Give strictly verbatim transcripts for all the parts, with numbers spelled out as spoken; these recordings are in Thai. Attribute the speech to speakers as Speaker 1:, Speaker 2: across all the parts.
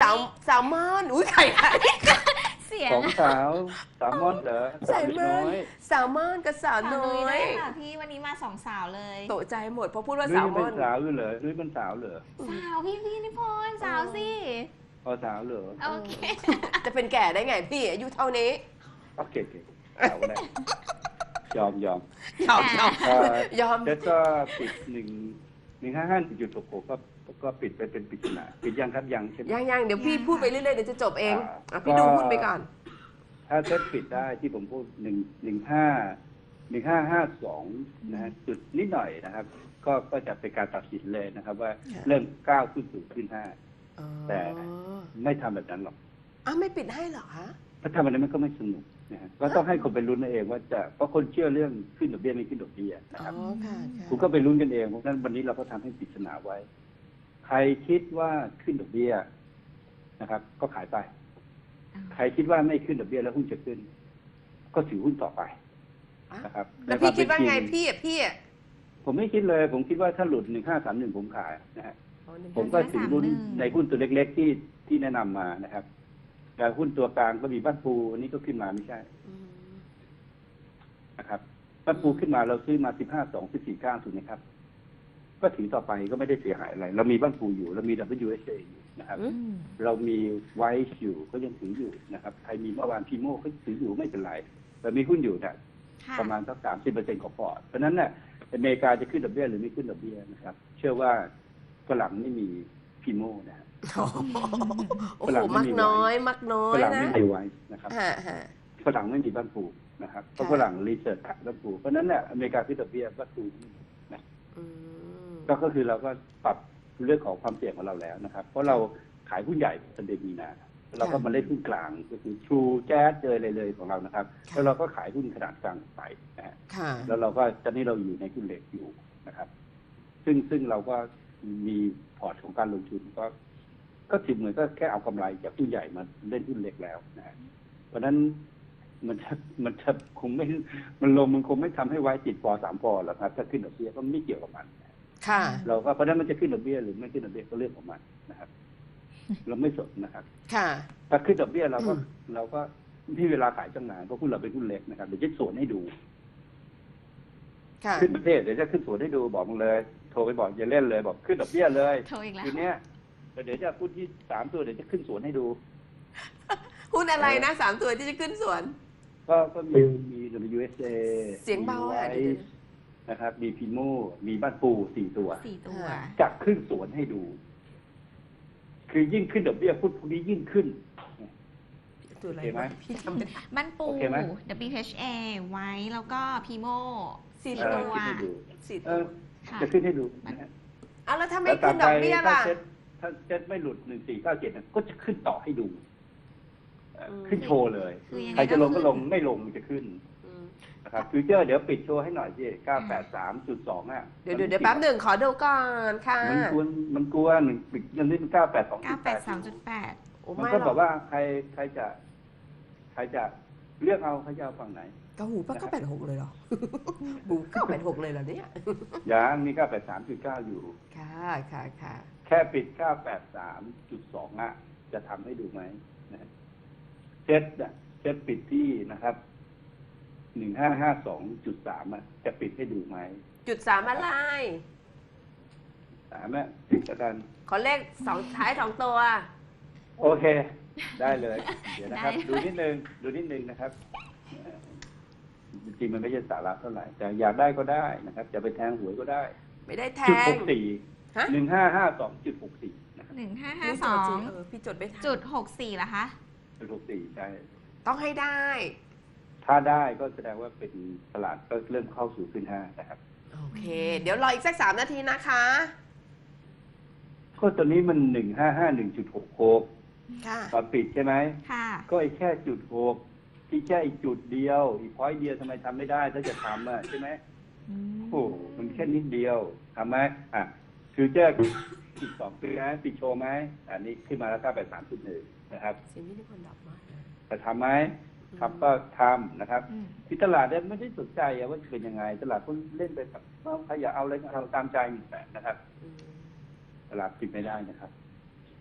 Speaker 1: าวสาวมอนอุ้ยไข่ไข่
Speaker 2: เสียง
Speaker 3: ของสาวสาวมอนเหรอสาวน้อย
Speaker 1: สาวมอนกับสาว
Speaker 2: สาว
Speaker 1: น้
Speaker 2: นุ้
Speaker 1: อย
Speaker 2: ด้วย ยค่ะพี่วันนี้มาสองสาวเลย
Speaker 1: ตกใจหมดเพราะพูดว่า
Speaker 3: นุ้ย
Speaker 1: สาว
Speaker 3: ยัง
Speaker 1: ม
Speaker 3: เป็
Speaker 1: อน น
Speaker 3: สาวอยู่เหรอนุ้ยเป็นสาวเหรอ
Speaker 2: สาวพี่พี่นิพนธ์สาวสิ
Speaker 3: พอสาวเหรอ
Speaker 2: โอเค
Speaker 1: จะเป็นแก่ได้ไงพี่อายุเท่านี้
Speaker 3: โอเคโอเคสาวแรกยอมยอม
Speaker 1: ยอมยอม
Speaker 3: เอ่อย
Speaker 1: อม
Speaker 3: แล้วก็ปิดหนึ่งหนึ่งห้าห้าจุดหกหกก็ก็ปิดไปเป็นปริศนาปิดยังครับยังใช่ไหม
Speaker 1: ยังยังเดี๋ยวพี่พูดไปเรื่อยๆเดี๋ยวจะจบเอง
Speaker 3: อ่า
Speaker 1: อ่ะพี่ดูหุ้นไปก่อน
Speaker 3: ถ้าเซตปิดได้ที่ผมพูดหนึ่งหนึ่งห้าหนึ่งห้าห้าสองนะฮะจุดนิดหน่อยนะครับ ก็ก็จะเป็นการตัดสินเลยนะครับ ว่า
Speaker 1: ค่ะ
Speaker 3: เริ่มก้าวขึ้นสู่ขึ้นห้า
Speaker 1: อ๋อ
Speaker 3: แต่ ไม่ทำแบบนั้นหรอก
Speaker 1: อ่ะไม่ปิดให้เหรอคะ
Speaker 3: ถ้าทำแบบนั้นมันก็ไม่สนุกนะฮะก็ต้องให้คนไปลุ้นเอาเองว่าจะเพราะคนเชื่อเรื่องขึ้นดอกเบี้ยไม่ขึ้นดอกเบี้ยนะ
Speaker 1: อ๋
Speaker 3: ครับ
Speaker 1: อค่ะค่ะ
Speaker 3: คุณก็ไปลุ้นกันเองเพราะฉะนั้นวันนี้เราก็ทำให้ปริศนาไว้ ใครคิดว่าขึ้นดอกเบี้ยนะครับ ก็ขายไป ใครคิดว่าไม่ขึ้นดอกเบี้ยแล้วหุ้นจะขึ้น ก็ถือหุ้นต่อไป
Speaker 1: อ่ะ
Speaker 3: นะครับ
Speaker 1: แล้วพี่คิดว่าไง
Speaker 3: ในควมเป็นจริ
Speaker 1: พี่อ่ะพี่อ่ะ
Speaker 3: ผมไม่คิดเลย ผมคิดว่าถ้าหลุดหนึ่งห้าสามหนึ่งผมขายนะฮะ
Speaker 1: อ๋อหนึ่ง
Speaker 3: ผมก็ถือหุ้นในหุ้นตัวเล็ก ๆ ที่ที่แนะนำมานะครับแต่หุ้นตัวกลางก็มีบ้านปูอันนี้ก็ขึ้นมาไม่ใช่
Speaker 1: อืม
Speaker 3: นะครับบ้านปูขึ้นมาเราซื้อมาสิบห้าสองสิบสี่เก้าถูกไหมครับ ก็ถือต่อไปก็ไม่ได้เสียหายอะไร เรามีบ้านปูอยู่เรามี ดับเบิลยู เอส เอ อยู่นะครับ
Speaker 2: อืม
Speaker 3: เรามีไวซ์อยู่ก็ยังถืออยู่นะครับใครมีเมื่อวานพีโม่ก็ถืออยู่ไม่เป็นไรแต่มีหุ้นอยู่เนี่ย
Speaker 2: ค่ะ
Speaker 3: ประมาณสักสามสิบเปอร์เซ็นต์ของพอร์ตเพราะฉะนั้นเนี่ยอเมริกาจะขึ้นดอกเบี้ยหรือไม่ขึ้นดอกเบี้ยนะครับ เชื่อว่าฝรั่งไม่มีพีโม่นะฮะ
Speaker 1: โอ้โหโอ้
Speaker 3: ฝ
Speaker 1: โห
Speaker 3: รั่งไม่
Speaker 1: มัก
Speaker 3: มี
Speaker 1: น้อยมักน้อ
Speaker 3: ฝ
Speaker 1: ย
Speaker 3: รั่ง
Speaker 1: นะ
Speaker 3: ไม่มีไวซ์นะครับ
Speaker 1: ฮะฮะ
Speaker 3: ฝรั่งไม่มีบ้านปูนะครับเพราะ
Speaker 1: ค่ะ
Speaker 3: ฝรั่งรีเสิร์ชหาบ้านปูเพราะฉะนั้นเนี่ยอเมริกาขึ้นดอกเบี้ยบ้านปูนะ
Speaker 1: อืม
Speaker 3: ก็ก็คือเราก็ปรับเรื่องของความเสี่ยงของเราแล้วนะครับ เพราะเราขายหุ้นใหญ่เป็นเดือนมีนาเราก็มาเล่นหุ้นกลางก็คือชูแจ๊สเจอเลยเลยของเรานะครับ แล้วเราก็ขายหุ้นขนาดกลางไปนะฮะ
Speaker 1: ค่ะ
Speaker 3: แล้วเราก็ตอนนี้เราอยู่ในหุ้นเล็กอยู่นะครับ ซึ่งซึ่งเราก็มีพอร์ตของการลงทุนก็ ก็ถือเหมือนก็แค่เอากำไรจากหุ้นใหญ่มาเล่นหุ้นเล็กแล้วนะฮะเพราะฉะนั้นมันจะมันจะคงไม่มันลงมันคงไม่ทำให้ไว้ติดปอสามปอหรอกครับถ้าขึ้นดอกเบี้ยก็ไม่เกี่ยวกับมัน
Speaker 1: ค่ะ
Speaker 3: เราก็เพราะฉะนั้นมันจะขึ้นดอกเบี้ยหรือไม่ขึ้นดอกเบี้ยก็เรื่องของมันนะครับ เราไม่สนนะครับ
Speaker 1: ค่ะ
Speaker 3: ถ้าขึ้นดอกเบี้ยเราก็
Speaker 1: อืม
Speaker 3: เราก็ที่เวลาขายจังหนานเพราะหุ้นเราเป็นหุ้นเล็กนะครับเดี๋ยวจะสวนให้ดู
Speaker 1: ค่ะ
Speaker 3: ขึ้นประเทศเดี๋ยวจะขึ้นสวนให้ดูบอกมึงเลย โทรไปบอกอย่าเล่นเลยบอกขึ้นดอกเบี้ยเลย
Speaker 2: โทรอีกแล้ว
Speaker 3: ทีเนี้ยเดี๋ยวจะพูดที่สามตัวเดี๋ยวจะขึ้นสวนให้ดู
Speaker 1: หุ้นอะไรนะสามตัวที่จะขึ้นสวน
Speaker 3: ก็ก็มีมี ดับเบิลยู เอส เอ
Speaker 1: เสียงเบาอ่ะ
Speaker 3: มี
Speaker 1: เดี๋ยว
Speaker 3: ไวซ์นะครับ มีพีโมมีบ้านปูสี่ตัว
Speaker 2: สี่ตัว
Speaker 1: ค่ะ
Speaker 3: จะขึ้นสวนให้ดู คือยิ่งขึ้นดอกเบี้ยพุทพวกนี้ยิ่งขึ้น
Speaker 1: ตัวอะไร
Speaker 3: โอเคไหม
Speaker 1: วะพี่จำไม่ได้
Speaker 2: บ้านปู
Speaker 3: โอเคไหม
Speaker 2: ดับเบิลยู เอช เอ ไว้แล้วก็พีโม
Speaker 1: สี่
Speaker 2: สี่
Speaker 3: เอ
Speaker 2: ตั
Speaker 3: อ
Speaker 2: ว
Speaker 3: ขึ้นให้ดู
Speaker 1: สี่
Speaker 3: เอ
Speaker 1: ตัว
Speaker 3: อ
Speaker 2: ค่ะ
Speaker 3: จะขึ้นให้ดูนะฮะ
Speaker 1: อ่ะแล้วถ้าไม่ขึ้นดอกเบี้ย
Speaker 3: ถ้า
Speaker 1: ล่ะ
Speaker 3: เซ็ตถ้าเซ็ตไม่หลุดหนึ่งสี่เก้าเจ็ดก็จะขึ้นต่อให้ดูเอ่อ
Speaker 1: อืม
Speaker 3: ขึ้นโชว์เลย
Speaker 2: คือยังไง
Speaker 3: ใครจะลงก็ลง
Speaker 2: ขึ้น
Speaker 3: ไม่ลงมันจะขึ้น
Speaker 1: อืม
Speaker 3: นะครับฟิวเจอร์เดี๋ยวปิดโชว์ให้หน่อยสิเก้าแปดสามจุดสองอ่ะ
Speaker 1: เดี๋ยวเดี๋ยวเดี๋ยวแป๊บหนึ่งขอดูก่อนค่ะ
Speaker 3: มันกวนมันกลัวหนึ่งปิดยันนี้มันเก้าแปดสอง
Speaker 2: เก้าแปดสามจุดแปด
Speaker 1: โอ้
Speaker 3: มัน
Speaker 1: ไม่
Speaker 3: ก็
Speaker 1: หร
Speaker 3: บ
Speaker 1: อ
Speaker 3: อก กว่าใครใครจะ ใครจะเลือกเอาใครจะเอาฝั่งไหน
Speaker 1: กระหูป้าก็แปดหกเลยเหรอ บูเก้าแปดหกเลยเหรอเนี่ย
Speaker 3: ยังมีเก้าแปดสามจุดเก้าอยู่
Speaker 1: ค่ะค่ะค่ะ
Speaker 3: แค่ปิดเก้าแปดสามจุดสองอ่ะ จะทำให้ดูไหมนะเซ็ตอ่ะเซ็ตปิดที่นะครับหนึ่งห้าห้าสองจุดสามอ่ะจะปิดให้ดูไหม
Speaker 1: จุดสามอะไร
Speaker 3: สามอ่ะปิดแล้วกัน
Speaker 1: ขอเลขสองท้ายสองตัว
Speaker 3: โอเค ได้เลย เดี๋ยวนะครับ
Speaker 2: ได้
Speaker 3: ดูนิดนึง ดูนิดนึงนะครับเอ่อจริงๆมันไม่ใช่สาระเท่าไหร่ แต่อยากได้ก็ได้นะครับ จะไปแทงหวยก็ได้
Speaker 1: ไม่ได้แท
Speaker 3: จุด
Speaker 1: ง
Speaker 3: หกสี่
Speaker 1: ฮะ
Speaker 3: หนึ่งห้าห้าสองจุดหกสี่นะครับ
Speaker 2: หนึ่งห้าห้า
Speaker 1: นี่
Speaker 2: ส
Speaker 1: จ
Speaker 2: อ
Speaker 1: ดจริ
Speaker 2: ง
Speaker 1: เออพี่จดไม่ทัน
Speaker 2: จุดหกสี่เหรอคะ
Speaker 3: จุดหกสี่ใช่
Speaker 1: ต้องให้ได้
Speaker 3: ถ้าได้ก็แสดงว่าเป็นตลาดก็เริ่มเข้าสู่ขึ้นห้านะครับ
Speaker 1: โอเค เดี๋ยวรออีกสักสามนาทีนะคะ
Speaker 3: ก็ตอนนี้มันหนึ่งห้าห้าหนึ่งจุดหกหก
Speaker 1: ค่ะ
Speaker 3: ตอนปิดใช่ไหม
Speaker 2: ค่ะ
Speaker 3: ก็ไอ้แค่จุดหกที่แค่อีกจุดเดียว อีกพอยต์เดียวทำไมทำไม่ได้ถ้าจะทำอ่ะใช่ไหม
Speaker 2: อืม
Speaker 3: โอ้โหมันแค่นิดเดียวทำไหมอ่ะฟิวเจอร์อีกสองปีนะปิดโชว์ไหมอันนี้ขึ้นมาแล้วก็ไปสามจุดหนึ่งนะครับ
Speaker 1: เสียงนี่ทุกคนดับมากนะ
Speaker 3: จะทำไหมทำก็ทำนะครับ
Speaker 2: อืม
Speaker 3: ที่ตลาดเนี่ยไม่ได้สนใจอะว่าจะเป็นยังไง ตลาดก็เล่นไปแบบว่าใครอยากเอาอะไรก็เอาตามใจมีแต่นะครับ
Speaker 1: อืม
Speaker 3: ตลาดปิดไม่ได้นะครับ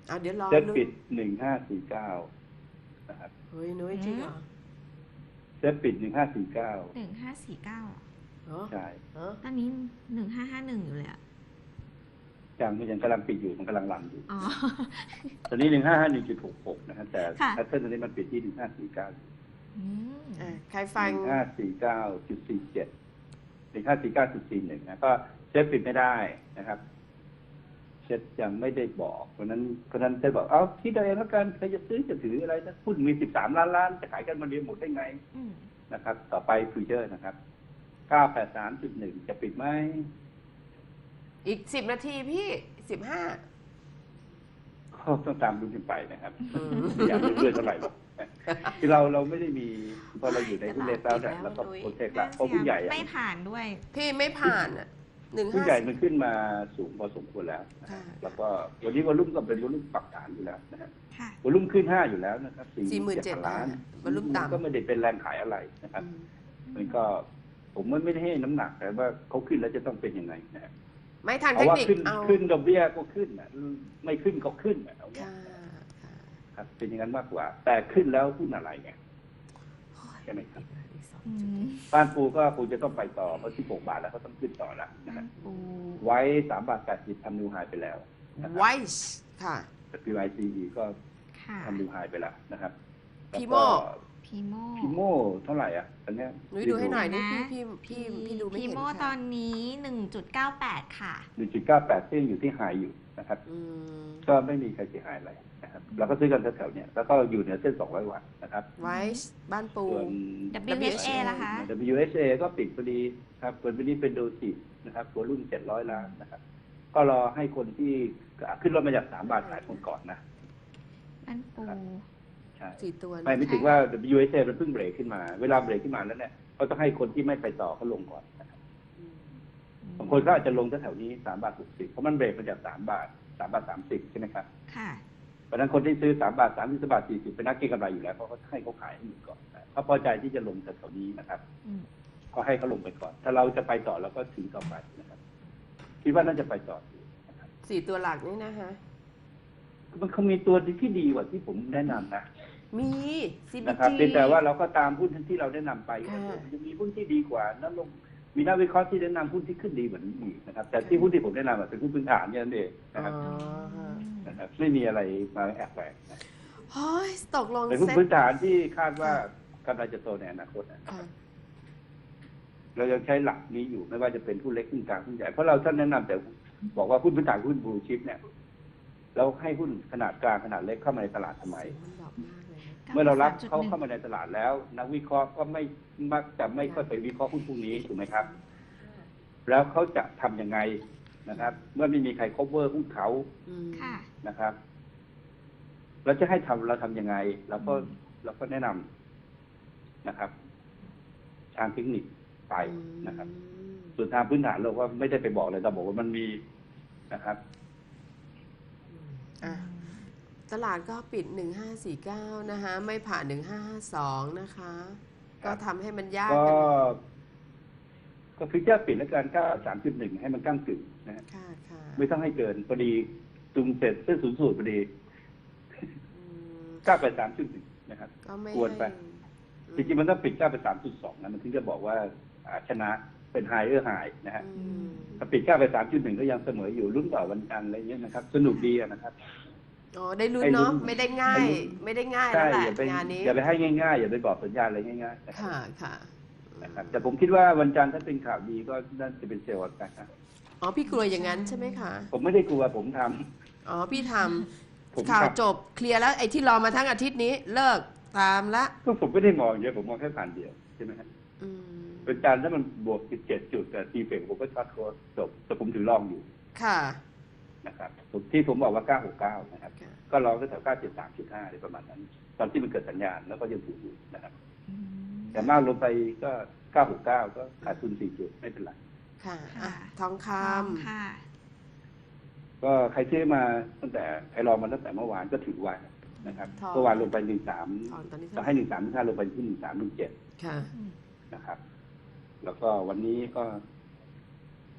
Speaker 4: อ่ะเดี๋ยวรอ
Speaker 3: เซ็ต
Speaker 4: นุ้ย
Speaker 3: ปิดหนึ่งห้าสี่เก้านะครับ
Speaker 4: เฮ้ยนุ้ยจริงเหรอ
Speaker 3: เซ็ตปิดหนึ่งห้าสี่เก้า
Speaker 2: หนึ่งห้าสี่เก้า
Speaker 4: เหรอ
Speaker 3: ใช่
Speaker 4: เหรอ
Speaker 2: ตอนนี้หนึ่งห้าห้าหนึ่งอยู่เลยอะ
Speaker 3: ยังมันยังกำลังปิดอยู่มันกำลังรันอยู่
Speaker 2: อ๋อ
Speaker 3: ตอนนี้หนึ่งห้าห้าหนึ่งจุดหกหกนะฮะแต่
Speaker 2: ค่ะ
Speaker 3: แพทเทิร์นตอนนี้มันปิดที่หนึ่งห้าสี่เก้า
Speaker 2: อืม
Speaker 4: อ่ะใครฟัง
Speaker 3: หนึ่งห้าสี่เก้าจุดสี่เจ็ดหนึ่งห้าสี่เก้าจุดสี่หนึ่งนะก็เซ็ตปิดไม่ได้นะครับเซ็ตยังไม่ได้บอกเพราะนั้นเพราะนั้นเซ็ตบอกเอาที่ใดแล้วกันใครจะซื้อจะถืออะไรนะหุ้นมีสิบสามล้านล้านจะขายกันมาเรียนหมดได้ไง
Speaker 2: อืม
Speaker 3: นะครับ ต่อไปฟิวเจอร์นะครับเก้าแปดสามจุดหนึ่งจะปิดไหม
Speaker 4: อีกสิบนาทีพี่สิบห้า
Speaker 3: ก็ต้องตามดูกันไปนะครับ
Speaker 4: อืม
Speaker 3: อยากเรื่อยๆเท่าไหร่หรอกคือเราเราไม่ได้มีพอเราอยู่ในหุ้นเลเต้าเนี่ยแล้วก็โปรเทคละเพราะหุ้นใหญ่อะ
Speaker 2: ไม่ผ่านด้วย
Speaker 4: พี่ไม่ผ่านอ่ะหนึ่ง
Speaker 3: หุ้น
Speaker 4: ห้า
Speaker 3: ใหญ่มันขึ้นมาสูงพอสมควรแล้วนะ
Speaker 4: ค่ะ
Speaker 3: แล้วก็วันนี้วอลุ่มก็เป็นวอลุ่มปรับฐานอยู่แล้วนะฮะ
Speaker 2: ค่ะ
Speaker 3: วอลุ่มขึ้นห้าอยู่แล้วนะครับ
Speaker 4: สี่หมื่นเจ็ด
Speaker 3: ล้าน
Speaker 4: วอลุ่มต่ำ
Speaker 3: ก็ไม่ได้เป็นแรงขายอะไรนะครับ มันก็ผมไม่ได้ให้น้ำหนักแต่ว่าเขาขึ้นแล้วจะต้องเป็นยังไงนะฮะ
Speaker 4: ไม่ทาง
Speaker 3: เพ
Speaker 4: เทค
Speaker 3: ราะว่า
Speaker 4: นิค
Speaker 3: ขึ้น
Speaker 4: เอา
Speaker 3: ขึ้นดอกเบี้ยก็ขึ้นนะไม่ขึ้นก็ขึ้นนะเอาเนี่ย
Speaker 4: ค่ะค่ะ
Speaker 3: ครับเป็นอย่างนั้นมากกว่า แต่ขึ้นแล้วหุ้นอะไรไง ใช่ไหมครับ
Speaker 4: อีกสอง
Speaker 2: อื
Speaker 4: จุด
Speaker 2: ม
Speaker 3: บ้านปูก็คงจะต้องไปต่อเพราะที่หกบาทแล้วเขาต้องขึ้นต่อแล้วนะฮะ
Speaker 2: ปู
Speaker 3: ไว้สามบาทแปดสิบทำนิวไฮไปแล้วนะครับ
Speaker 4: ไวส์ค่ะ
Speaker 3: พี วาย ซี อี ก็
Speaker 2: ค่ะ
Speaker 3: ทำนิวไฮไปแล้วนะครับ
Speaker 4: พีโม่
Speaker 2: พีโม
Speaker 3: พีโม่เท่าไหร่อ่ะอันเนี้ย
Speaker 4: หนุ้ยดูให้หน่อยนี่
Speaker 2: นะ
Speaker 4: พี่พี่พี่พี่ดูไม่
Speaker 2: พี
Speaker 4: เห็น
Speaker 2: โมตอ
Speaker 4: ค่ะ
Speaker 2: นนี้หนึ่งจุดเก้าแปดค่ะ
Speaker 3: หนึ่งจุดเก้าแปดซึ่งอยู่ที่ไฮอยู่นะครับ
Speaker 4: อืม
Speaker 3: ก็ไม่มีใครเสียหายอะไรนะครับเราก็ซื้อกันแถวๆเนี้ยแล้วก็อยู่เหนือเส้นสองร้อยวันนะครับ
Speaker 4: ไวส์บ้านปู
Speaker 3: ส่วน
Speaker 2: ดับเบิลยู เอช เอ ล่ะคะ
Speaker 3: ดับเบิลยู เอช เอ ก็ปิดพอดีครับส่วนวันนี้เป็นโดซินะครับตัวรุ่นเจ็ดร้อยล้านนะครับ ก็รอให้คนที่ขึ้นรถมาจากสามบาทขายคนก่อนนะ
Speaker 2: บ้านปู
Speaker 3: ใช่
Speaker 4: สี่ตัว
Speaker 3: ไม่ไม่ถึงว่า ดับเบิลยู เอช เอ มันเพิ่งเบรกขึ้นมา เวลาเบรกขึ้นมาแล้วเนี่ยเขาต้องให้คนที่ไม่ไปต่อเขาลงก่อนนะครับ
Speaker 4: อืม
Speaker 3: บางคนก็อาจจะลงแถวๆนี้สามบาทหกสิบเพราะมันเบรกมาจากสามบาทสามบาทสามสิบใช่ไหมครับ
Speaker 2: ค่ะ
Speaker 3: เพราะฉะนั้นคนที่ซื้อสามบาทสามสิบบาทสี่สิบเป็นนักเก็งกำไรอยู่แล้วเพราะเขาให้เขาขายให้หมดก่อนนะเขาพอใจที่จะลงแถวๆนี้นะครับ
Speaker 2: อืม
Speaker 3: ก็ให้เขาลงไปก่อน ถ้าเราจะไปต่อเราก็ถือต่อไปนะครับ คิดว่าน่าจะไปต่ออยู่นะครับ
Speaker 4: สี่ตัวหลักนี่นะฮะ
Speaker 3: มันเขามีตัวที่ดีกว่าที่ผมแนะนำนะ
Speaker 4: มี ซี บี
Speaker 3: นะครับ
Speaker 4: จี
Speaker 3: เพียงแต่ว่าเราก็ตามหุ้นที่เราแนะนำไป
Speaker 4: ค่ะ
Speaker 3: มันจะมีหุ้นที่ดีกว่านั้นลงมีนักวิเคราะห์ที่แนะนำหุ้นที่ขึ้นดีเหมือนอีกนะครับ แต่ที่หุ้นที่ผมแนะนำอะเป็นหุ้นพื้นฐานเนี่ยนั่นเอง
Speaker 4: อ๋
Speaker 3: นะครับ
Speaker 4: อฮะ
Speaker 3: นะครับไม่มีอะไรมาแอบแฝงนะ
Speaker 4: เฮ้ยตกลง
Speaker 3: เป็นหุ้น
Speaker 4: เซ็ต
Speaker 3: พื้นฐานที่คาดว่ากำลังจะโตในอนาคตนะ
Speaker 4: ค่ะ
Speaker 3: เรายังใช้หลักนี้อยู่ไม่ว่าจะเป็นหุ้นเล็กหุ้นกลางหุ้นใหญ่เพราะเราท่านแนะนำแต่บอกว่าหุ้นพื้นฐานหุ้นบลูชิปเนี่ยเราให้หุ้นขนาดกลางขนาดเล็กเข้ามาในตลาดทำไม
Speaker 4: มันดอกมากเลยนะ
Speaker 3: เมื่อเรารับเขาเข้ามาในตลาดแล้ว นักวิเคราะห์ก็ไม่มักจะไม่ค่อยไปวิเคราะห์หุ้นพวกนี้ถูกไหมครับ แล้วเขาจะทำยังไงนะครับ เมื่อไม่มีใคร cover หุ้นเขา
Speaker 4: อืม
Speaker 2: ค่ะ
Speaker 3: นะครับ เราจะให้ทำเราทำยังไงเราก็เราก็แนะนำนะครับ ทางเทคนิคไปนะครับ
Speaker 4: อืม
Speaker 3: ส่วนทางพื้นฐานเราก็ไม่ได้ไปบอกเลยแต่บอกว่ามันมีนะครับ
Speaker 4: อ่ะตลาดก็ปิดหนึ่งห้าสี่เก้านะคะ ไม่ผ่านหนึ่งห้าห้าสองนะคะ ก็ทำให้มันยาก
Speaker 3: ก็
Speaker 4: กัน
Speaker 3: ก็ฟิวเจอร์ปิดแล้วกันก็สามจุดหนึ่งให้มันก้างกึ่งนะฮะ
Speaker 4: ค่ะค่ะ
Speaker 3: ไม่ต้องให้เกินพอดีตุงเสร็จเส้นศูนย์สูตรพอดี
Speaker 4: อืม
Speaker 3: เก้าไปสามจุดหนึ่งนะครับ
Speaker 4: ก็ไม่
Speaker 3: ควรไป
Speaker 4: ให้
Speaker 3: จริงๆมันต้องปิดเก้าไปสามจุดสองนะมันถึงจะบอกว่าอ่าชนะเป็นไฮเออร์ไฮนะฮะ
Speaker 4: อืม
Speaker 3: ถ้าปิดเก้าไปสามจุดหนึ่งก็ยังเสมออยู่ลุ้นต่อวันจันทร์อะไรเงี้ยนะครับ สนุกดีอะนะครับ
Speaker 4: อ๋อได้ลุ้น
Speaker 3: ให้ลุ้น
Speaker 4: เนาะไม่ได้ง่าย
Speaker 3: ให้ลุ้น
Speaker 4: ไม่ได้ง่าย
Speaker 3: ใช่
Speaker 4: แล้วแหละ
Speaker 3: อย่าไป
Speaker 4: งานนี้
Speaker 3: อย่าไปให้ง่ายๆอย่าไปบอกสัญญาณอะไรง่ายๆนะครับ
Speaker 4: ค่ะค่ะ
Speaker 3: นะครับแต่ผมคิดว่าวันจันทร์ถ้าเป็นข่าวดีก็น่าจะเป็นเซลล์กันนะ
Speaker 4: อ๋อพี่กลัวอย่างนั้นใช่ไหมคะ
Speaker 3: ผมไม่ได้กลัวผมทำ
Speaker 4: อ๋อพี่ท
Speaker 3: ผม
Speaker 4: ำข่าว
Speaker 3: ทำ
Speaker 4: จบเคลียร์แล้วไอ้ที่รอมาทั้งอาทิตย์นี้เลิกตามละ
Speaker 3: ก็ผมไม่ได้มองเยอะผมมองแค่ผ่านเดียวใช่ไหมครับ
Speaker 4: อืม
Speaker 3: วันจันทร์ถ้ามันบวกสิบเจ็ดจุดแต่ทีเฟกผมก็ช็อตโค้ดจบแต่ผมถือลองอยู่
Speaker 4: ค่ะ
Speaker 3: นะครับผมที่ผมบอกว่าเก้าหกเก้านะครับ
Speaker 4: ค่ะ
Speaker 3: ก็ลองก็แถวเก้าเจ็ดสามจุดห้าอะไรประมาณนั้น ตอนที่มันเกิดสัญญาณแล้วก็ยังถืออยู่นะครับ
Speaker 2: อืม
Speaker 3: แต่มากลงไปก็เก้าหกเก้าก็ขาดทุนสี่จุดไม่เป็นไร
Speaker 4: ค่ะอ่ะ
Speaker 2: ค่ะ
Speaker 4: ทองค
Speaker 2: ทองค่ะ
Speaker 3: ก็ใครซื้อมาตั้งแต่ใครรอมาตั้งแต่เมื่อวานก็ถือไว้นะครับ
Speaker 4: ทอง
Speaker 3: เมื่อวานลงไปหนึ่งสาม
Speaker 4: ำทองตอนนี้
Speaker 3: จะ
Speaker 4: เท่าไห
Speaker 3: ให้
Speaker 4: ร่
Speaker 3: หนึ่งสามห้าลงไปที่หนึ่งสามหนึ่งเจ็ด
Speaker 4: ค่ะ
Speaker 2: อืม
Speaker 3: นะครับ แล้วก็วันนี้ก็ ก็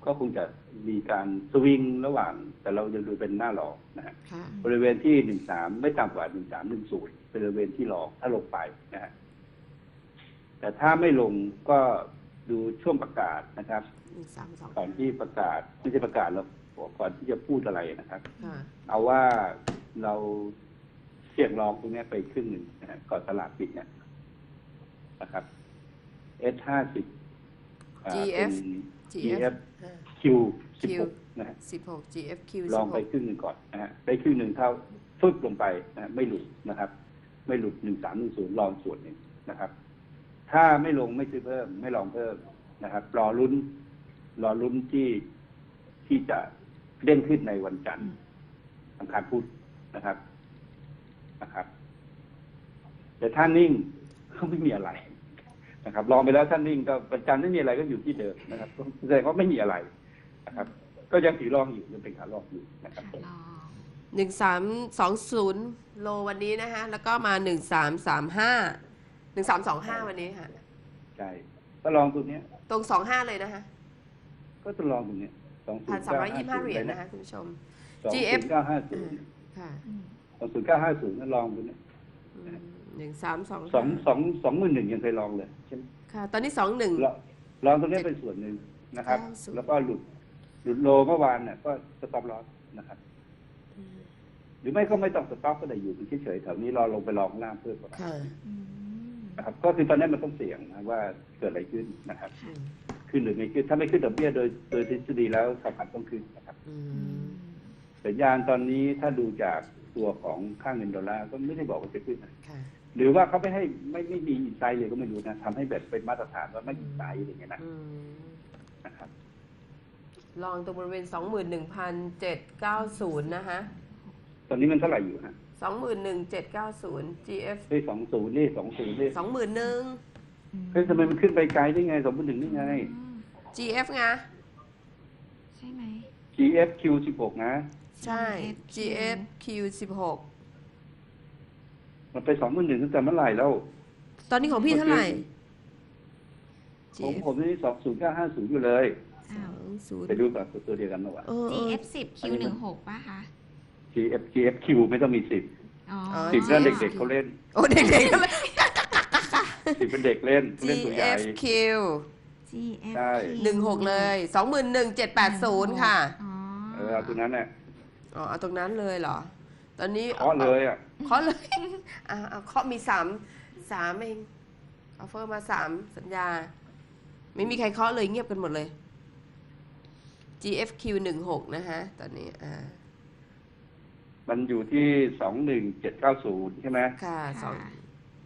Speaker 3: ก็คงจะมีการสวิงระหว่าง แต่เราจะดูเป็นหน้ารองนะฮะ
Speaker 4: ค่ะ
Speaker 3: บริเวณที่หนึ่งสามไม่ต่ำกว่าหนึ่งสามหนึ่งศูนย์เป็นบริเวณที่รองถ้าลงไปนะฮะแต่ถ้าไม่ลงก็ดูช่วงประกาศนะครับ
Speaker 4: หนึ่งสามสอง
Speaker 3: ก่อนที่ประกาศไม่ใช่ประกาศแล้วก่อนที่จะพูดอะไรนะครับ
Speaker 4: ค่ะ
Speaker 3: เอาว่าเราเสี่ยงลองตรงนี้ไปครึ่งหนึ่งนะฮะก่อนตลาดปิดเนี่ยนะครับ เอส ห้าสิบ
Speaker 4: จี เอฟ
Speaker 3: จี
Speaker 4: จี
Speaker 3: เอ
Speaker 4: เอ
Speaker 3: ฟ
Speaker 4: ฟ
Speaker 3: Q สิบหกนะฮะ
Speaker 4: สิบหก จี เอฟ คิว
Speaker 3: ลองไปครึ่งหนึ่งก่อนนะฮะไปครึ่งหนึ่งเท่าฟึบลงไปนะฮะไม่หลุดนะครับ ไม่หลุดหนึ่งสามหนึ่งศูนย์ลองส่วนหนึ่งนะครับ ถ้าไม่ลงไม่ซื้อเพิ่ม ไม่ลองเพิ่มนะครับ รอลุ้น รอลุ้นที่ที่จะเด้งขึ้นในวันจันทร์อังคารพุธนะครับนะครับ แต่ถ้านิ่งก็ไม่มีอะไรนะครับ ลองไปแล้วท่านนิ่งก็วันจันทร์ไม่มีอะไรก็อยู่ที่เดิมนะครับแสดงว่าไม่มีอะไรนะครับ ก็ยังถือรองอยู่ยังเป็นขาลองอยู่นะครับ
Speaker 2: ขาลอง
Speaker 4: หนึ่งสามสองศูนย์โลวันนี้นะคะแล้วก็มาหนึ่งสามสามห้าหนึ่งสามสองห้าวันนี้ค่ะ
Speaker 3: ใช่ก็ลองตัวเนี้ย
Speaker 4: ตรงสองห้าเลยนะคะ
Speaker 3: ก็จะลองตรงเนี้ยสองศู
Speaker 4: พั
Speaker 3: น
Speaker 4: น
Speaker 3: ย์
Speaker 4: สาม
Speaker 3: เก้า
Speaker 4: ร้อย
Speaker 3: ห้า
Speaker 4: ยี่สิบห้า
Speaker 3: ศูน
Speaker 4: เหรี
Speaker 3: ย์
Speaker 4: ยญ
Speaker 3: นะ
Speaker 4: นะคะคุณผู้ชม
Speaker 3: สอง
Speaker 4: จี
Speaker 3: ศู
Speaker 4: เอฟ
Speaker 3: นย์เก้าห้าศูนย์
Speaker 4: ค่ะ
Speaker 2: อืม
Speaker 3: สองศูนย์เก้าห้าศูนย์นั่นลองตัวเนี้ย
Speaker 4: หนึ่งสามสอง
Speaker 3: สองสองสองหมื่นหนึ่งยังเคยลองเลยใช่ไหม
Speaker 4: ค่ะ ตอนนี้สองหนึ่ง
Speaker 3: ลองลองตรงนี้เป็นส่วนหนึ่งนะครับ
Speaker 4: เก้าศูนย์
Speaker 3: แล้วก็หลุดหลุดโลเมื่อวานเนี่ยก็สต็อปลอสนะครับ หรือไม่ก็ไม่ต้องสต็อปก็ได้อยู่เฉยๆแถวนี้รอลงไปลองข้างล่างเพิ่มก่อน
Speaker 4: ค่ะ
Speaker 2: อืม
Speaker 3: นะครับ ก็คือตอนนี้มันต้องเสี่ยงนะว่าเกิดอะไรขึ้นนะครับ
Speaker 4: อืม
Speaker 3: ขึ้นหรือไม่ขึ้นถ้าไม่ขึ้นดอกเบี้ยโดยโดยทฤษฎีแล้วสำคัญต้องขึ้นนะครับ
Speaker 4: อื
Speaker 2: อื
Speaker 4: ม
Speaker 2: ม
Speaker 3: สัญญาณตอนนี้ถ้าดูจากตัวของค่าเงินดอลลาร์ก็ไม่ได้บอกว่าจะขึ้นนะ
Speaker 4: ค่ะ
Speaker 3: หรือว่าเขาไม่ให้ไม่ไม่มีอินไซด์เลยก็ไม่รู้นะทำให้แบบเป็นมาตรฐานว่าไม่อินไซด์อย่างเงี้ยนะ
Speaker 4: อืม
Speaker 3: นะครับ
Speaker 4: ลองตรงบริเวณสองหมื่นหนึ่งพันเจ็ดเก้าศูนย์นะคะ
Speaker 3: ตอนนี้มันเท่าไหร่อยู่ฮะ
Speaker 4: สองหมื่นหนึ่งเจ็ดเก้าศูนย์ จี เอฟ
Speaker 3: เฮ้ยสองศูนย์นี่สองศูนย์นี่
Speaker 4: สองหมื่นหนึ่ง
Speaker 3: เฮ้ยทำไมมันขึ้นไปไกลได้ไงสองพันหนึ่งได้ไง
Speaker 2: อืม
Speaker 4: จี เอฟ ไง
Speaker 2: ใช่ไหม
Speaker 3: จี เอฟ คิว สิบหกนะ
Speaker 4: ใช่ จี เอฟ คิว สิบหก
Speaker 3: มันไปสองพันหนึ่งตั้งแต่เมื่อไหร่แล้ว
Speaker 4: ตอนนี้ของพี่เท่าไหร่
Speaker 3: ของผมนี่สองศูนย์เก้าห้าศูนย์อยู่เลย
Speaker 2: อ้าว
Speaker 4: ศูนย์
Speaker 3: ไปดูกับตัวเดียวกันเมื่อวาน
Speaker 4: เออ
Speaker 2: จี เอฟ สิบ คิว หนึ่งหกป่ะคะ
Speaker 3: จี เอฟ จี เอฟ คิว ไม่ต้องมีสิบ
Speaker 2: อ๋อ
Speaker 3: สิบนั่นเด็กๆเขาเล่น
Speaker 4: โอ้เด็กๆก็เลย
Speaker 3: สิบเป็นเด็กเล่นเล่น
Speaker 4: จี
Speaker 3: ตัวให
Speaker 4: เอ
Speaker 3: ญ่
Speaker 4: ฟ คิว
Speaker 2: จี เอฟ
Speaker 3: ใช่
Speaker 4: หนึ่งหกเลยสองหมื่นหนึ่งเจ็ดแปดศูนย์ค่ะ
Speaker 2: อ๋อ
Speaker 3: เออเอาตัวนั้นแหละ
Speaker 4: อ๋อเอาตรงนั้นเลยเหรอ ตอนนี้
Speaker 3: เคาะเลยอ่ะ
Speaker 4: เคาะเลย อ่าเอาเคาะมีสามสามเองออฟเฟอร์มาสามสัญญา ไม่มีใครเคาะเลยเงียบกันหมดเลย จี เอฟ คิว หนึ่งหกนะฮะ ตอนนี้อ่า
Speaker 3: มันอยู่ที่สองหนึ่งเจ็ดเก้าศูนย์ใช่ไหม
Speaker 4: ค่ะสอง
Speaker 2: ค่ะ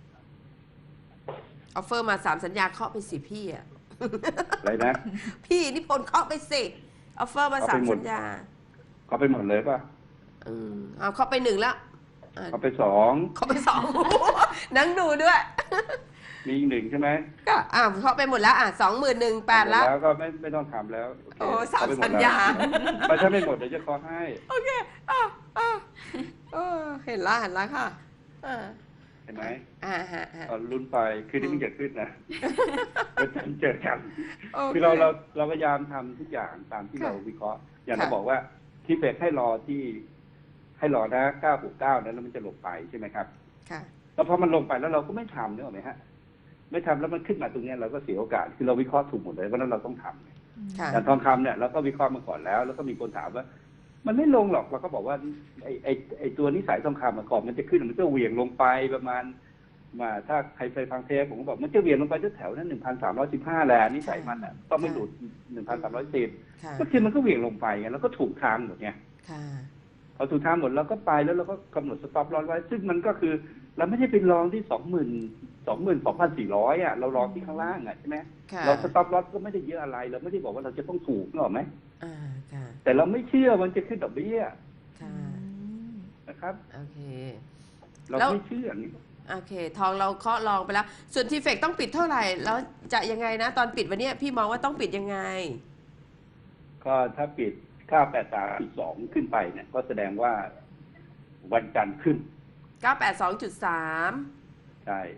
Speaker 4: ออฟเฟอร์มาสามสัญญาเคาะไปสิพี่อ่ะ
Speaker 3: อะไรนะ
Speaker 4: พี่นิพนธ์เคาะไปสิออฟเฟอร์มาสาม
Speaker 3: เคาะไปหมด
Speaker 4: สัญญา
Speaker 3: เขาไปหมดเลยป่ะ
Speaker 4: อืมเอาเคาะไปหนึ่งแล้วอ่ะ
Speaker 3: เขาไปสอง
Speaker 4: เคาะไปสอง นั่งดูด้วย
Speaker 3: มีอีกหนึ่งใช่ไหม
Speaker 4: ก็อ่าเคาะไปหมดแล้วอ่ะสองหมื่นหนึ่งแปดแล้ว
Speaker 3: แล้วก็ไม่ไม่ต้องทำแล้วโอเค
Speaker 4: โอ้สาม
Speaker 3: เขไปหด
Speaker 4: สัญญา
Speaker 3: แล้วไม่ถ้าไม่หมดเดี๋ยวจะขอให้
Speaker 4: โอเคอ่ะอ่ะเออเห็นละเห็นละค่ะอ่า
Speaker 3: เห็นไหม
Speaker 4: อ่าฮะฮะ
Speaker 3: ตอนลุ้นไปคืนนี้มันจะขึ้นนะวันจันทร์เจอกัน
Speaker 4: โอ
Speaker 3: คือเราเราเราพยายามทำทุกอย่างตามที่เราวิเคราะห์ อย่างเราบอกว่าที่เฟดให้รอที่ให้รอนะเก้าหกเก้านั้นแล้วมันจะลงไปใช่ไหมครับ
Speaker 4: ค่ะ
Speaker 3: แล้วพอมันลงไปแล้วเราก็ไม่ทำนึกออกไหมฮะ ไม่ทำแล้วมันขึ้นมาตรงเนี้ยเราก็เสียโอกาสคือเราวิเคราะห์ถูกหมดเลยเพราะฉะนั้นเราต้องทำ
Speaker 4: ค่ะ
Speaker 3: อย่างทองคำเนี่ยเราก็วิเคราะห์มาก่อนแล้ว แล้วก็มีคนถามว่า มันไม่ลงหรอกเราก็บอกว่าไอ้ไอ้ไอ้ตัวนิสัยทองคำมาก่อนมันจะขึ้นมันก็เหวี่ยงลงไปประมาณมาถ้าใครไปฟังเทปผมก็บอกมันจะเหวี่ยงลงไปแถวๆนั้นหนึ่งพันสามร้อยสิบห้าแหละนิสัยมันอ่ะต้องไม่หลุดหนึ่งพันสามร้อยสิบ
Speaker 4: ค่ะ
Speaker 3: ก็คือมันก็เหวี่ยงลงไปไงแล้วก็ถูกทางหมดไง
Speaker 4: ค่ะ
Speaker 3: พอถูกทางหมดเราก็ไปแล้วเราก็กำหนดสต็อปลอสไว้ ซึ่งมันก็คือเราไม่ได้ไปลองที่สองหมื่นสองหมื่นสองพันสี่ร้อยอ่ะเราลองที่ข้างล่างอ่ะใช่ไหม
Speaker 4: ค่ะ
Speaker 3: เราสต็อปลอสก็ไม่ได้เยอะอะไร เราไม่ได้บอกว่าเราจะต้องถูกนึกออกไหม
Speaker 4: อ่าค่ะ
Speaker 3: แต่เราไม่เชื่อมันจะขึ้นดอกเบี้ย
Speaker 4: ค่ะ
Speaker 3: นะครับ
Speaker 4: โอเค
Speaker 3: เรา
Speaker 4: แล้ว
Speaker 3: ไม่เชื่อนี่
Speaker 4: โอเค ทองเราเคาะลองไปแล้ว ส่วนทีเฟกต้องปิดเท่าไหร่ แล้วจะยังไงนะ ตอนปิดวันเนี้ยพี่มองว่าต้องปิดยังไง
Speaker 3: ก็ถ้าปิดค่าแปดสามสองขึ้นไปเนี่ย ก็แสดงว่าวันจันทร์ขึ้น
Speaker 4: เก้าแปดสองจุดสาม
Speaker 3: ใช่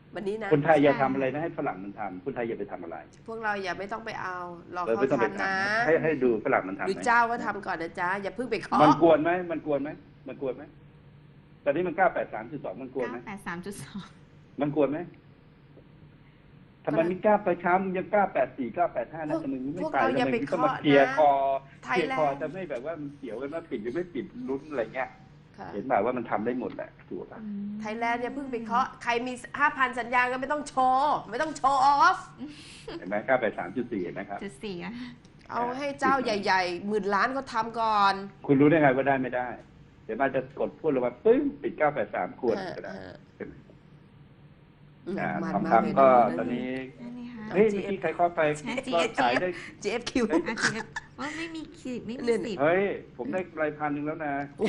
Speaker 4: วันนี้นะ
Speaker 3: คนไทยอย่าทำอะไรนะให้ฝรั่งมันทำคนไทยอย่าไปทำอะไร
Speaker 4: พวกเราอย่าไม่ต้องไปเอารอ
Speaker 3: เออ
Speaker 4: เขา
Speaker 3: ไม่ต้องไป
Speaker 4: ทำนะ
Speaker 3: ทำให้ให้ดูฝรั่งมันทำ
Speaker 4: ดู
Speaker 3: ไหม
Speaker 4: เจ้าก็ทำก่อนนะจ๊ะอย่าเพิ่งไปเคาะ
Speaker 3: มันกวนไหมมันกวนไหมมันกวนไหมตอนนี้มันเก้าแปดสามจุดสองมันกวนไหม
Speaker 2: เก้าแปดสามจุดสอง
Speaker 3: มันกวนไหมทำไมมีเก้าไปเช้ามึงยังเก้าแปดสี่เก้าแปดห้านะทำไมมึงไม่
Speaker 4: พวก
Speaker 3: ไป
Speaker 4: เราอย่า
Speaker 3: ทำไม
Speaker 4: ไป
Speaker 3: มึงต้อง
Speaker 4: เคาะ
Speaker 3: มาเคลียร์
Speaker 4: นะ
Speaker 3: คอ
Speaker 4: ไท
Speaker 3: เค
Speaker 4: ย
Speaker 3: ลียร์
Speaker 4: แล
Speaker 3: คอน
Speaker 4: ด์
Speaker 3: จะไม่แบบว่ามันเกี่ยวกันว่าปิดหรือไม่ปิดลุ้นอะไรเงี้ย
Speaker 4: ค่ะ
Speaker 3: เห็นแบบว่ามันทำได้หมดแหละถูกป่ะ
Speaker 4: ไทยแลนด์อย่าเพิ่งไปเคาะใครมีห้าพันสัญญาก็ไม่ต้องโชว์ไม่ต้องโชว์ออฟ
Speaker 3: เห็นไหมเก้าแปดสามจุดสี่เห็นไหมครับ
Speaker 2: จุดสี่อะ
Speaker 4: เอาให้เจ้าใหญ่ๆหมื่นล้านเขาทำก่อน
Speaker 3: คุณรู้ได้ไงว่าได้ไม่ได้ เดี๋ยวมันจะกดพูดลงมาปึ้งปิดเก้าแปดสามควรก็ได้
Speaker 4: ฮะ
Speaker 3: เห็นไหม
Speaker 4: อืม
Speaker 3: อ่า
Speaker 4: มัน
Speaker 3: ทอง
Speaker 4: มากเลย
Speaker 3: คำก็
Speaker 4: ะ
Speaker 3: ตอนนี้
Speaker 2: นั่นนี่ค่ะ
Speaker 3: เฮ้ยเมื่อกี้ใครเข้าไป
Speaker 2: ใช่
Speaker 3: ก็ขายได้
Speaker 4: จี เอฟ คิว
Speaker 3: เฮ้ย
Speaker 2: อาทีว่าไม่มีขีดไม่มีสิบ
Speaker 3: เฮ้ย ผมได้รายพันหนึ่งแล้วนะ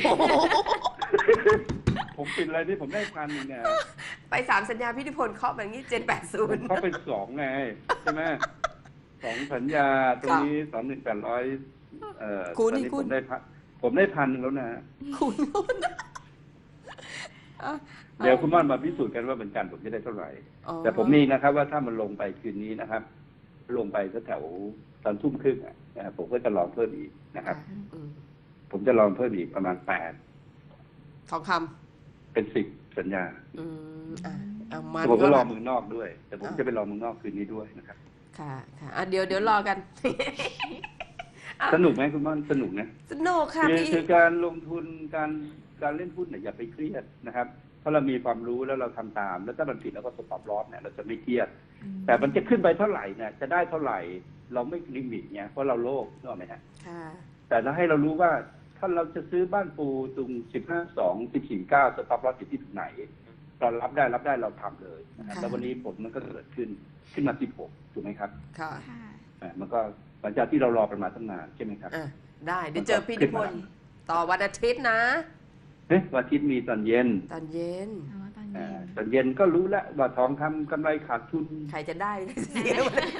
Speaker 3: ผมปิดอะไรที่ผมได้พันหนึ่งเนี่ย
Speaker 4: ไปสามสัญญาพิธิพลเคาะแบบนี้เจนแปดศู
Speaker 3: ผ
Speaker 4: น
Speaker 3: ม
Speaker 4: ย์
Speaker 3: เข้าไปสองไงใช่ไหมสองสัญญาตรงนี้สองหนึ่งแปดร้อยเอ่อ
Speaker 4: คุณ
Speaker 3: ตอน
Speaker 4: นี่
Speaker 3: นี้
Speaker 4: คุ
Speaker 3: ผ
Speaker 4: ณ
Speaker 3: มได้พันผมได้พันหนึ่งแล้วนะ
Speaker 4: คุณคุณอ่ะ
Speaker 3: เดี๋ยวคุณม่อนมาพิสูจน์กันว่าเป็นการผมจะได้เท่าไหร่
Speaker 4: อ๋อ
Speaker 3: แต่ผมมีนะครับ ว่าถ้ามันลงไปคืนนี้นะครับ ลงไปแถวๆตอนทุ่มครึ่งอะนะครับผมก็จะลองเพิ่มอีกนะครับ
Speaker 4: อืม
Speaker 3: ผมจะลองเพิ่มอีกประมาณแปด
Speaker 4: ทองค
Speaker 3: เป็นสิบสัญญา
Speaker 4: ำอืมอ่ะเอามัน
Speaker 3: แต่ผมก็
Speaker 4: ก็
Speaker 3: รอ
Speaker 4: ละ
Speaker 3: เมืองนอกด้วย แต่ผมจะไปรอเมืองนอกคืนนี้ด้วยนะครับ
Speaker 4: ค่ะค่ะอ่ะเดี๋ยวเดี๋ยวรอกัน
Speaker 3: สนุกไหมคุณม่อนสนุกนะ
Speaker 4: สนุกค่ะ
Speaker 3: คือ
Speaker 4: พี่
Speaker 3: คือการลงทุนการการเล่นหุ้นเนี่ยอย่าไปเครียดนะครับเพราะเรามีความรู้แล้วเราทำตาม แล้วถ้ามันผิดเราก็สต็อปลอสเนี่ยเราจะไม่เครียด แต่มันจะขึ้นไปเท่าไหร่เนี่ยจะได้เท่าไหร่ เราไม่ลิมิตเนี่ยเพราะเราโลภนึกออกไหมฮะ
Speaker 4: ค่ะ
Speaker 3: แต่ถ้าให้เรารู้ว่าถ้าเราจะซื้อบ้านปูตรงสิบห้าสองสิบสี่เก้าสต็อปลอสอยู่ที่ไหน เรารับได้รับได้เราทำเลยนะครับ
Speaker 4: ค่ะ
Speaker 3: แล้ววันนี้ผลมันก็เกิดขึ้นขึ้นมาสิบหกถูกไหมครับ
Speaker 4: ค่ะ
Speaker 2: ค่ะ
Speaker 3: อ่ามันก็หลังจากที่เรารอประมาณตั้งนานใช่ไหมครับ
Speaker 4: อ่ะได้เดี๋ยวเจอพี่นิพนธ์ต่อวันอาทิตย์นะ
Speaker 3: เฮ้ยวันอาทิตย์มีตอนเย็น
Speaker 4: ตอนเย็น
Speaker 2: อ๋อตอน
Speaker 3: อ่า
Speaker 2: เย็น
Speaker 3: ตอนเย็นก็รู้แล้วว่าทองคำกำไรขาดทุน
Speaker 4: ใครจะได้เสีย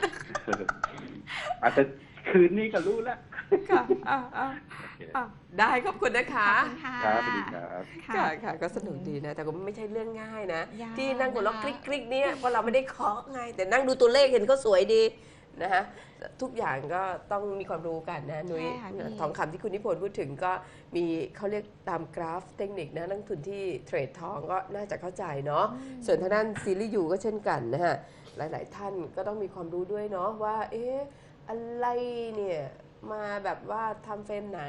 Speaker 3: อาจจะคืนนี้ก็รู้แล้ว
Speaker 4: ค่ะอ่ะอ่ะอ่ะได้ขอบคุณนะคะ
Speaker 2: ขอบคุณค่ะ
Speaker 3: ครับสวัสดีครับ
Speaker 4: ค่ะค่ะก็สนุกดีนะ แต่ก็ไม่ใช่เรื่องง่ายนะ
Speaker 2: ยาก
Speaker 4: ที่นั่งหัวเราะ
Speaker 2: นะคะ
Speaker 4: คลิกคลิกๆเนี่ยเพราะเราไม่ได้เคาะไง แต่นั่งดูตัวเลขเห็นเขาสวยดีนะฮะทุกอย่างก็ต้องมีความรู้กันนะนุ้ย
Speaker 2: ใช่ค่ะพี่
Speaker 4: ทองคำที่คุณนิพนธ์พูดถึงก็มีเขาเรียกตามกราฟเทคนิคนะนักลงทุนที่เทรดทองก็น่าจะเข้าใจเนาะส่วนทางด้านซีรีส์ยูก็เช่นกันนะฮะหลาย ๆ ท่านก็ต้องมีความรู้ด้วยเนาะว่า เอ๊ะอะไรเนี่ยมาแบบว่าทำเฟรมไหน